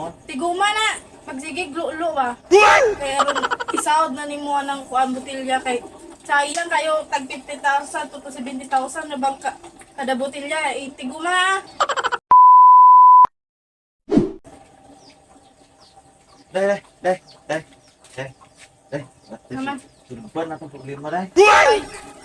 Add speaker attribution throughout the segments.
Speaker 1: Tiguma na. Magsigig lulo ba? Kaya ron isaod na nimo ng kuan botilya kay sayang kayo tag 50,000 to 70,000 na bang kada botilya. Tiguma.
Speaker 2: Dai.
Speaker 1: Naman.
Speaker 2: Sulban na itong problema dai.
Speaker 1: Ay,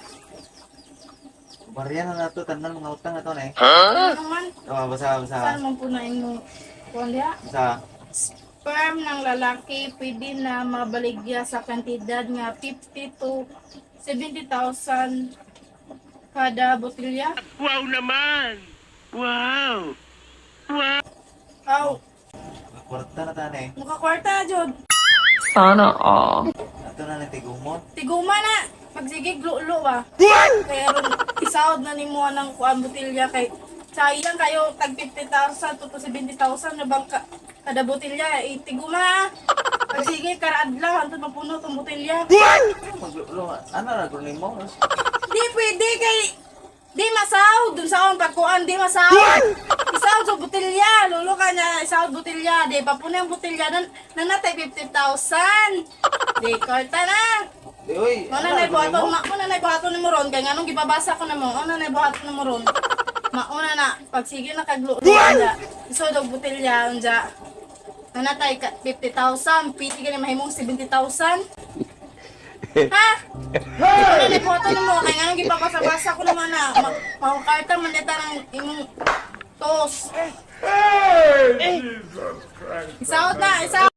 Speaker 2: Bariyan na nato tanan mga utang na to na eh.
Speaker 1: ano naman?
Speaker 2: Basa.
Speaker 1: Saan mong punain mo? Kuan diha?
Speaker 2: Basa.
Speaker 1: Sperm ng lalaki pwede na mabaligya sa kantidad nga 50 to 70,000 kada botilya.
Speaker 3: Wow naman! Wow!
Speaker 1: Aw,
Speaker 2: Kwarta na tan eh.
Speaker 1: mukha kwarta jud.
Speaker 4: Sana all.
Speaker 2: Ato na lang tigumon.
Speaker 1: Tiguma na. Magsigig lulo ba? Kaya ron isaod na nimo ng kuan botilya kay sayang kayo tag 50,000 to 70,000 na bang kada botilya. Tiguma. Magsigig karaadlaw antud mapuno tong botilya.
Speaker 2: Maglulo. Ano na gulong mo?
Speaker 1: Di pwede kay di masaw dun sa akong pagkuan di masaw. Isaw sa botilya, lulo ka niya isaw botilya, di papuno yung botilya nanatay 50,000. Di korta na.
Speaker 2: Uy,
Speaker 1: Ano na ibuhaton, mauna na ibuhaton ni Moron kay nganong gibabasa ko na mo. Ano na ibuhaton ni Moron. Mauna na pag sige na kaglulo anda. Iso dog botilya anda. Nanatay 50,000, piti ka ni mahimong 70,000. Ha? Ano na ibuhaton mo kay nganong gibabasa-basa ko naman na mahukarta man dita ng imong tos. Isaot na, isaot.